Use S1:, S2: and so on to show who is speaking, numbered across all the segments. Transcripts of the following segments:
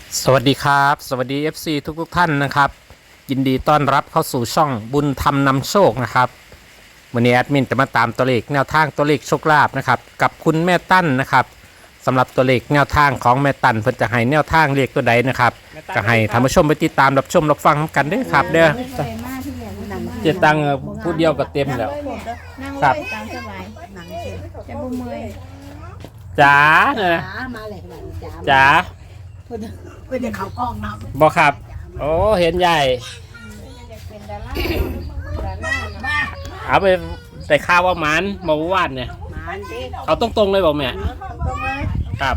S1: สวัสดีครับสวัสดี FC ทุกท่านนะครับยินดีต้อนรับเข้าสู่ช่องบุญธรรมนำโชคนะครับวันนี้แอดมินจะมาตามตัวเลขแนวทางตัวเลขโชคลาภนะครับกับคุณแม่ตั้นนะครับสำหรับตัวเลขแนวทางของแม่ตั้นเพิ่นจะให้แนวทางเลขตัวใดนะครับก็ให้ท่านผู้ชมไปติดตามรับชมรับฟังกันด้วยครับเด้อเจตังผู้เดียวก็เต็มแล้วครับ
S2: ตามสบายหนังเสร็จจะบุเมย
S1: จ๋าเนี่ยนะ
S2: มาเลยจ้า
S1: จ๋า
S2: เพื่อนเขากล้องน้ำ
S1: บอกครับโอ้เห็นใหญ่
S2: เป็นดารา
S1: เอาไปใส่ข้าวว่าหมันเมื่อวานเนี่ย
S2: มาดิ
S1: เอาตรงๆเลยบอกแม่
S2: ต้องเลย
S1: ครับ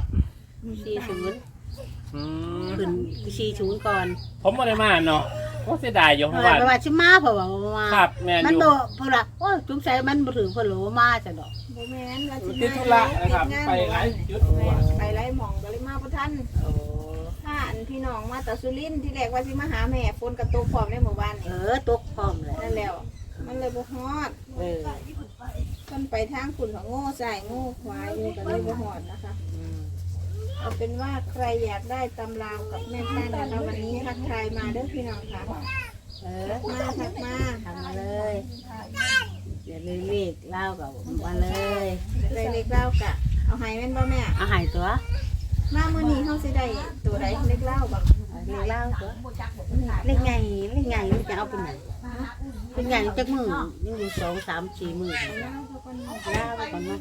S2: 40
S1: อืม
S2: ขึ้น40ก่อน
S1: ผมไม่ได้มาเนาะก็เสียดายอยู่เพ
S2: เพ
S1: ราะ
S2: ราะ
S1: ว่า
S2: ว่าชิมาเพราะว่ามา
S1: ครับแม่น
S2: มัน
S1: อยู่
S2: โดเพราะว่าโอ้จุ๊บใจมันบ่ถึงเพราะโหลมาจะดอก
S3: บ่แม่นว่าสิ
S1: ติดธุระนะครับไปหลายจุด
S3: ไปไล่หม่องก็เลยมาบ่ทัน
S2: โอ้
S3: ถ้าอันพี่น้องมาแต่สุรินทร์ที่แรกว่าสิมาหาแม่ฝนกระตกพร้อมในหมู่บ้าน
S2: เอ
S3: นี่
S2: อตกพร้อมเลย
S3: นั่นแล้ว มันเลยบ่ฮอด
S2: เออ
S3: เพิ่นไปทางคุณของโง่ใส่โง่ขวาอยู่ก็เลยบ่ฮอดนะคะเอาเป็นว่าใครอยากได้ตำราวกับแม่ตั้นนะคะวันนี้ทักทายมาเด้อพี่น้องค่ะ
S2: เออ
S3: ทักมา
S2: ทำมาเลยเดี๋ยวเรียกเล่ากับมาเลย
S3: ได้เล็กเล่ากะเอาให้แม่นบ่แม่
S2: เอาหายตัว
S3: มามื้อนี้เฮาสิได้ตัวใดเล็กเล่าบ่
S2: เรียกเล่าตัวเล็กไงมันจะเอาเป็นไหนเป็นไงจักมือยังอยู่2 3 4มือ
S3: เล่าเขาก่อนเนาะ
S2: เล่าไปก่อนเนาะ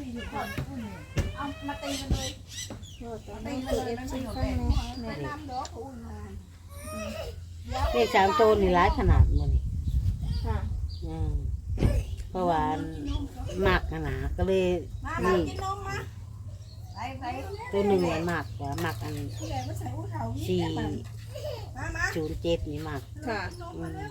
S3: โอ้ตอนนี้คือ FC ฟังแม่
S2: เลข3ตัวนี่หลายขนาดมื้อนี้
S3: ค่ะ
S2: อืมเพราะว่ามักหนาก็เลยนี่ตัวหนึ่งมันมักว่ามักอัน407นี่มัก
S3: ค่ะ
S2: อืม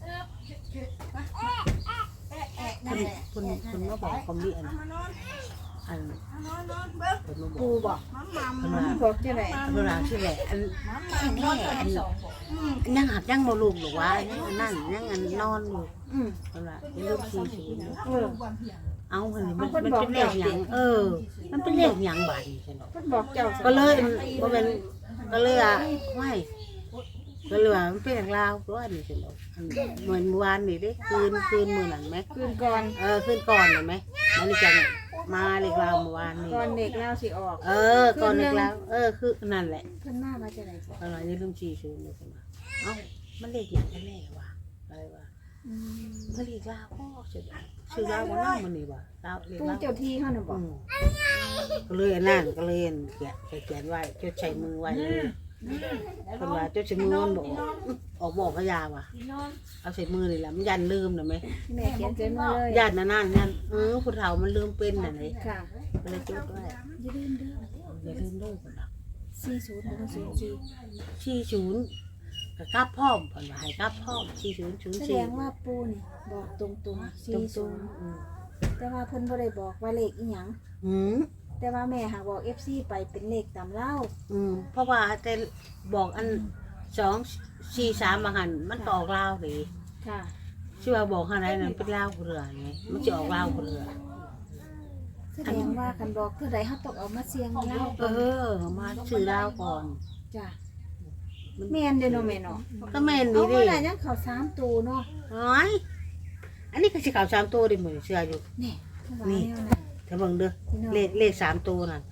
S2: คุณมาบอกคอมมิอันคุณมาบ
S3: ปู
S2: อก
S3: บอก
S2: คุณว่า
S3: บอกจะไหน
S2: เวลาชื่ออะไรอันแน่อันยังหักยังมาลูกหรือว่ายังอันนั่นยังอันนอนอยู่
S3: อืม
S2: เวลาเป็นลูก40
S3: เออ
S2: เอามันเป็นเลขหยังมันเป็นเลขหยังบาดนี่ใช่ไหม
S3: เพิ่นบอกเจ้า
S2: ก็เลยบ่เป็นก็เลยอ่ะไม่ก็เลยว่ามันเป็นอย่างลาวตัวนี่ใช่ไหมเหมือนเมื่อวานนี่เด้คืนมื้อนั้นไหม
S3: คืนก่อน
S2: คืนก่อนเห็นไหมมันนี่จังมาเลขลาวเมื่อวานนี่
S3: ก่อนเด็กเล่าสิออก
S2: ก่อนเลขลาวคือนั่นแหละ
S3: เพิ่นมาว่าจะไหนจ้ะ
S2: อะไรนี่ลืม40เลยใช่ไหมเอ้ามันเลขหยังกันแน่วะอะไรวะ
S3: อืม
S2: มันเลขลาวก็ชื่อลาวบ่นำมันนี่บ่ลาวเลข
S3: ปู
S2: ลาว
S3: เจ้าที่เฮาน่ะบอก
S2: ก็เลยอันนั่นก็เลยเขียนไว้จดใช้มือไว้เลยคนว่าจดใช้มือมันบอกออกบอกพยาว่ะเอาใส่มือนี่แหละมันยันลืมนะไหม
S3: แม่เขียนเต็มเลย
S2: ยันนั่นผู้เฒ่ามันลืมเป็นน่ะนี่
S3: ค่ะ
S2: ก็เลยจดไว้
S3: อย่าลืมเด้อ
S2: อย่าลืมด้วยคนละ
S3: 40บ่04
S2: 40กับกลับพร้อมเพิ่นว่าให้กลับพร้อม4004
S3: แสดงว่าปูนี่บอกตรงๆ
S2: ตรง
S3: 40แต่ว่าเพิ่นบ่ได้บอกว่าเลขอีหยัง
S2: อืม
S3: แต่ว่าแม่หากบอก FC ไปเป็นเลขตามเล่า
S2: เพราะว่าแต่บอกอัน243บางหันมันก็ออกลาวดิ
S3: ค่ะ
S2: ชื่อว่าบอกอะไรนั่นเป็นลาวเรือไงมันจะออกลาวเรือ
S3: แสดงว่าคันบอกเท่าใดเฮาต้องเอามาเสี่ยงเล่า
S2: มาชื่อลาวก่อน
S3: จ้ะแม่นเด้อเนาะแม่เนาะ
S2: ก็แม่น
S3: เอา
S2: นี่
S3: เมื่
S2: ดิ
S3: อไหร่ยังเขา3ตัวเนาะ
S2: น้อยอันนี้ก็สิข่าว3ตัวดิเหมือนเชื่ออยู่
S3: นี่
S2: นี่ ถ้าเบิ่งเด้อเลข3ตัวนั่น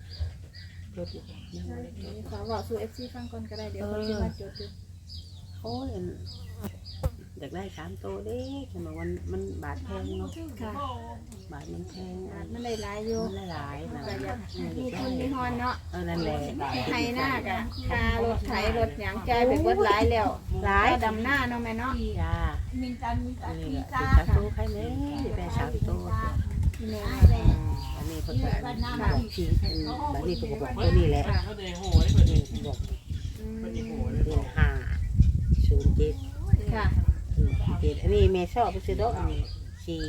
S3: ขอบอกสู่ FC ฟังก่อนก็ได้เดี๋ยวเขาสิมาจดอยู่
S2: โอ้ยอยากได้3ตัวเด้ฉันบอกมันบาทแพงเนาะ
S3: ค่ะ
S2: บาทมันแพง
S3: มันได้หลายอยู่
S2: มันหลายๆนะ
S3: ก็อยากมีทุนมีฮอนเนาะ
S2: นั่นแหละ
S3: ไทยหน้ากะค่ารถไถรถหยังจ่ายไปเบิดหลายแล้ว
S2: หลาย
S3: ค่าดำหน้าเนาะแม่เนาะ
S2: จ้านี่แหละ3ตัวใครแน่ได้3ตัว
S3: ที่แม่
S2: อันนี้เพิ่นก็บอกชี้แบบนี้เพิ่นก็บอกตัวนี้แหละ
S3: ค่ะ
S1: เขาเดโห
S2: นี่บอก
S3: อืม
S2: เป็น507
S3: ค่ะ
S2: 7อันนี้แม่ชอบไปซื้อดอกอันนี้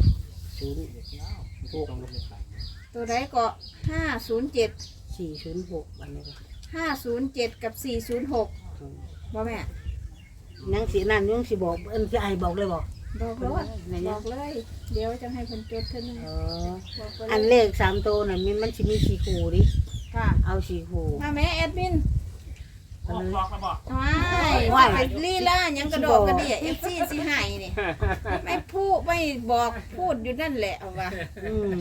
S2: 406
S3: ตัวใดก็507
S2: 406อันนี้ก็
S3: 507กับ406บ่แม่
S2: ยังสินั่นยังสิบอกสิให้บอกเลยบ่
S3: บอกเลยบอกเลย เดี๋ยวจะให้เพิ่นจดเท่านึง
S2: เออ
S3: บอกไป
S2: อัน
S3: เล
S2: เลย ข3ตัวน่ะมันสิมี4คู่ดิ
S3: ค่ะ
S2: เอา4คู่
S3: มาแม่แอดมิน
S2: ก็เลย
S3: ว้ายไปลีลาหยังกระโดดกระเดี่ย FC สิให้นี่ไม่พูดไม่บอกพูดอยู่นั่นแหละเอาว่า
S2: อืม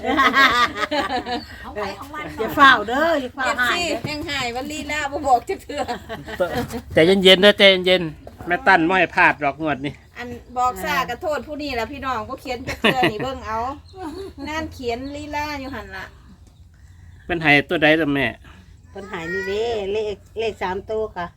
S2: อย่าเฝ้าเด้ออย่าเฝ้า
S3: FC
S2: หายเด้อ
S3: ยังให้ว่าลีลาบ่บอกจักเทื่อ
S1: ใจเย็นๆนะใจเย็นๆแม่ตั้นไม่ให้พลาดหรอกงวดนี้
S3: อันบอกซ่ากระโทษผู้นี้ล่ะพี่น้องบ่เขียนจักเทื่อนี่เบิ่งเอานั่นเขียนลีลาอยู่หั่นล่ะ
S1: เป็นไห้ตัวใดล่ะแม่
S2: ปัญหานี่เด้เลข3ตัวค่ะ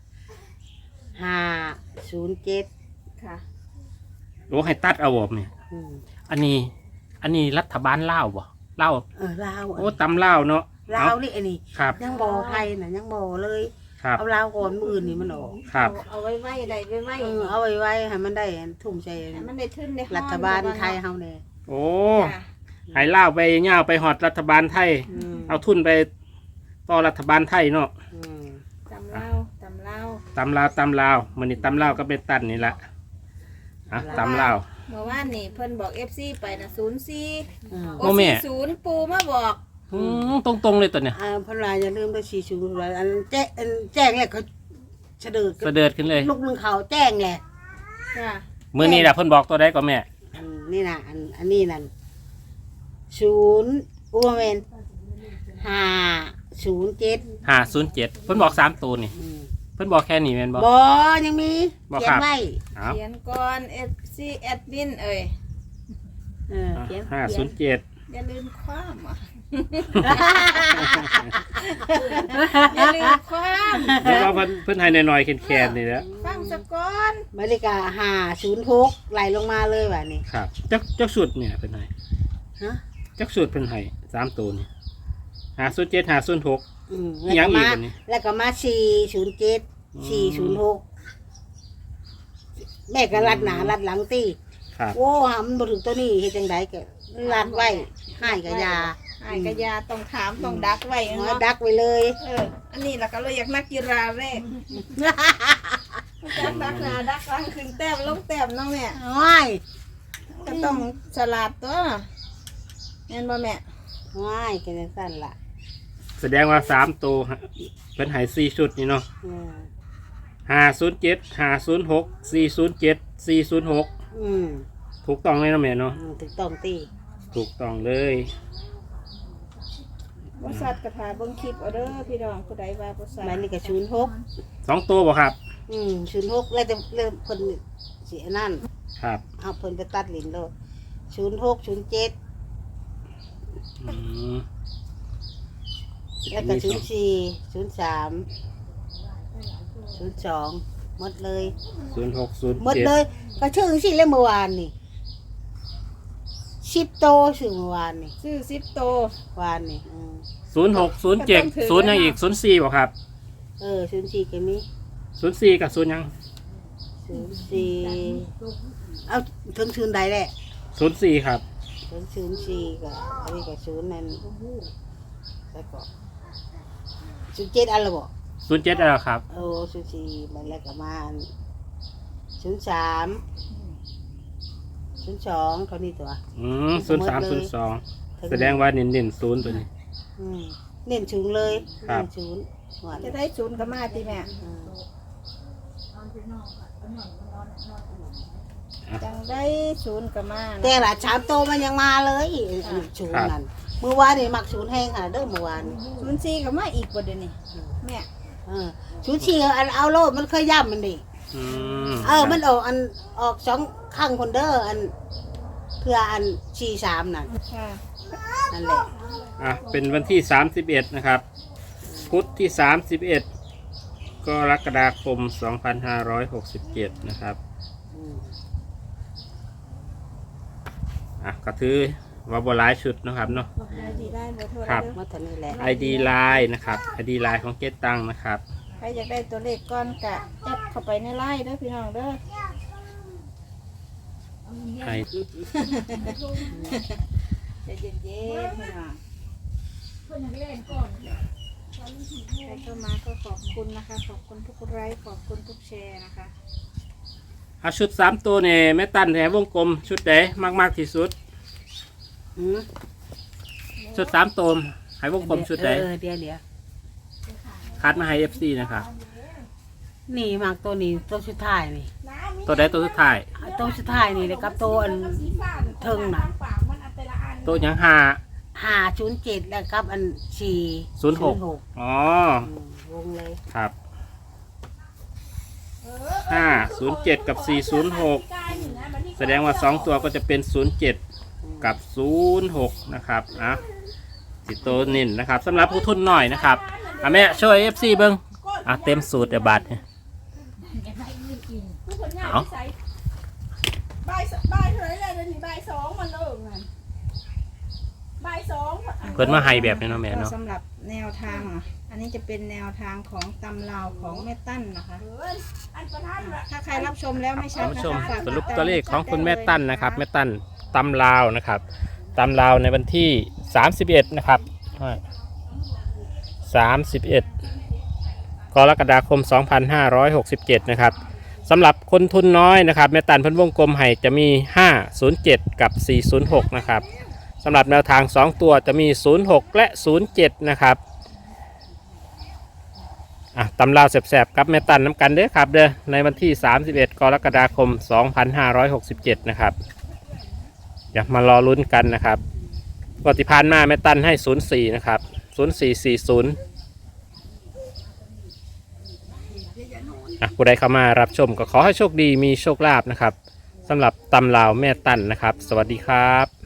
S2: 507
S3: ค่ะ
S1: โอ้ให้ตัดเอาบ่แม่
S2: อืม
S1: อันนี้รัฐบาลลาวบ่ลาว
S2: ลาว
S1: โอ้ตำลาวเนาะ
S2: ลาวนี่อันนี้
S1: ครับ
S2: ยังบ่ไทยน่ะยังบ่เลย
S1: ครับ
S2: เอาลาวก่อนมื้ออื่นนี่มันออก
S1: ครับ
S3: เอาไว้ไว้ได้ไว้ไว้
S2: เอาไว้ให้มันได้ทุ่มใจ
S3: ให้มันได้ทึนได้ฮ้อน
S2: รัฐบาลไทยเฮาแน่
S1: โอ้
S3: ค่ะ
S1: ให้ลาวไปย่าวไปหอดรัฐบาลไทย เอาทุนไปต่อรัฐบาลไทยเนาะ
S3: ตำเล่าตำเล่า
S1: ตำลาวมื้อนี้ตำลาวก็เป็นตันนี่ละตำลาว
S3: เมื่อวานนี่เพิ่นบอก FC ไปนะ04
S1: โอ้แม่
S3: 40ปูมาบอก
S1: ตรงๆเลยตัวเนี่ย
S2: พระราอย่าลืมไป40ไว้อันแจ้งแหละเขาเสด็จ
S1: เสด็จขึ้นเลย
S2: ลูกนึงเขาแจ้งแหละ
S3: ค่ะ
S1: มื้อนี้แหละเพิ่นบอกตัวใดก็แม่
S2: นี่น่ะอันนี้นั่น0อุเมน507
S1: 507เพิ่นบอก3ตัวนี่เพิ่นบอกแค่นี้แม่นบ่
S2: บ่ยังมี
S1: บ่
S2: เขีย
S1: ครั
S2: น
S1: บ
S2: ไว้
S1: เอา
S3: เขียนก่อน FC แอดมินเอ้ย
S2: เขียน
S1: 507
S3: อย่าลืมความอ่ะ อย่าลืมความ
S1: เดี๋ยวว่าเพิ่นให้หน่อยๆแคนๆนี่แหละ
S3: ฟังซะก่อน
S2: บริกา506ไหลลงมาเลยว่ะนี่
S1: ครับจักสุดเนี่ยเพิ่นให้
S2: ฮะ
S1: จักสุดเพิ่นให้3ตัวนี่507 506
S2: แล้ว
S1: ยัง
S2: ก็
S1: อีก
S2: มา
S1: อันนี้
S2: แล้วก็มา407 406แม่ก็รัดหนารัดหลังตี
S1: ครับ
S2: โอ้หำบ่ถึงตัวนี้เฮ็ดจังไดก็รัดไว้ให้กับยา
S3: ไอ้กะยาต้องถามต้องดักไว้
S2: หัว
S3: เนาะ
S2: ดักไว้เลย
S3: อันนี้ล่ะก็เลยอยากนักกีฬาแรกดักหน้าดักหลังขึ้นแต้มลงแต้มน้องแม่
S2: โอ้ย
S3: ก็ต้องฉลาดตัวแม่นบ่แม่
S2: โอ้ยก็จังซั่นล่ะ
S1: แสดงว่า3ตัวเพิ่นให้4ชุดนี่เนาะ
S2: อืม
S1: 507 506 407 406
S2: อืม
S1: ถูกต้องเลยนะแม่เนาะ
S2: ถูกต้องตี
S1: ถูกต้องเลย
S3: บริษัทกระถาเบิ่งคลิปเอาเด้อพี่น้องผู้ใดว่าบริษัท
S2: มันนี่ก็06
S1: 2ตัวบ่ครับ
S2: 06แล้วแต่เริ่มเพิ่นสิอันนั้น
S1: ครับ
S2: เอาเพิ่นไปตัดลิ้นโลด06 07
S1: อืม
S2: แล้วก็04 03 02หมดเลย
S1: 0607
S2: หมดเลยก็ชื่อสิเลยเมื่อวานนี่10โตชื่อเมื่อวานนี่
S3: ซื้อ10โต
S2: วานนี่
S1: 0607 0ยังอีก04บ่ครับ
S2: 04ก็มี
S1: 04กับ0ยัง
S2: 04เอาถึงศูนย์ใดแหละ
S1: 04ครับ
S2: ถึง04ก็อันนี้ก็ศูนย์นั่นแล้วก็07อันละบ่
S1: 07แล้วครับ
S2: 04มันแล้วก็มา03 02เท่านี้ตัว
S1: 0302แสดงว่าเน้นๆ0ตัวนี้
S2: เน้นศูนย์เลย
S1: ครับ
S2: เน้นศูนย์หวาน
S3: จะได้ศูนย์ก็มาติแม่จังได้ศูนย์ก็มา
S2: แต่ละชามโตมันยังมาเลยศูนย์นั่นเมื่อวานนี่มักศูนย์แห้งค่ะเด้อเมื่อวาน
S3: 04ก็มาอีกบ่เดี๋ยวนี้แม่
S2: ศูนย์สี่อันเอาโลดมันเคยย่ำมันดิ มันออกอันออก2ข้างคนเด้ออันเพื่ออัน43นั่น
S3: ค่ะ
S2: นั่นแหละ
S1: เป็นวันที่31นะครับ พุธที่31กรกฎาคม2567นะครับก็ถือว่าบ่หลายชุดนะครับเนาะ
S3: ID ได้บ่โทร
S1: ครับ
S3: เด้อ
S2: มาเท่านี้แหละ
S1: ID Line นะครับ ID Line ของเจ๊ตังนะครับ
S3: ใครอยากได้ตัวเลขก่อนกะแอดเข้าไปในไลน์เด้อพี่น้องเด้อ
S1: ให้
S3: ใจเย็นๆพี่น้องใครเข้ามาก็ขอบคุณนะคะ ขอบคุณทุกไลค์ขอบคุณทุกแชร์นะคะ
S1: เอาชุด3ตัวเนี่ยแม่ตั้นแถววงกลมชุดไหนมากที่สุด ชุด3ตัวให้วงกลมชุดไหน
S2: เดี๋ยว
S1: คัดมาให้ FC นะครับ
S2: นี่มากตัวนี้ตัวสุดท้ายนี่
S1: ตัวใดตัวสุดท้าย
S2: ตัวสุดท้ายนี่เลยครับตัวอันเทิงน่ะ
S1: ตัวหยัง
S2: 507แล้วครับอัน406
S1: อ๋อ
S2: วงเลย
S1: ครับ507กับ406แสดงว่า2ตัวก็จะเป็น07กับ06นะครับนะสิโตนินนะครับสำหรับผู้ทุนหน่อยนะครับแม่ช่วย FC เบิ้งเต็มสูตรเดี๋ยวบัตรเอา
S3: บ่ายเท่าไหร่เลยเดี๋ยวนี้บ่ายสองมันเลิกนั่นบ่ายสอง
S1: เพิ่นมาให้แบบนี้เนาะแม่เนาะ
S3: สำหรับแนวทางอันนี้จะเป็นแนวทางของตำราวของแม่ตั้นนะคะถ้าใครรับชมแล้วไม่ชัด
S1: ท่านผู้ชม
S3: นะคะฝาก
S1: สรุปตัวเลขของคุณแม่ตั้นนะครับแม่ตั้นตำลาวนะครับตำลาวในวันที่31นะครับ31กรกฎาคม2567นะครับสำหรับคนทุนน้อยนะครับแม่ตันเพิ่นวงกลมให้จะมี507กับ406นะครับสำหรับแนวทาง2ตัวจะมี06และ07นะครับตำราวแสบๆกับแม่ตันน้ำกันเด้อครับเด้อในวันที่31กรกฎาคม2567นะครับอย่ามารอลุ้นกันนะครับปฏิพานมาแม่ตันให้04นะครับ0440ผู้ใดเข้ามารับชมก็ขอให้โชคดีมีโชคลาภนะครับสำหรับตำลาวแม่ตันนะครับสวัสดีครับ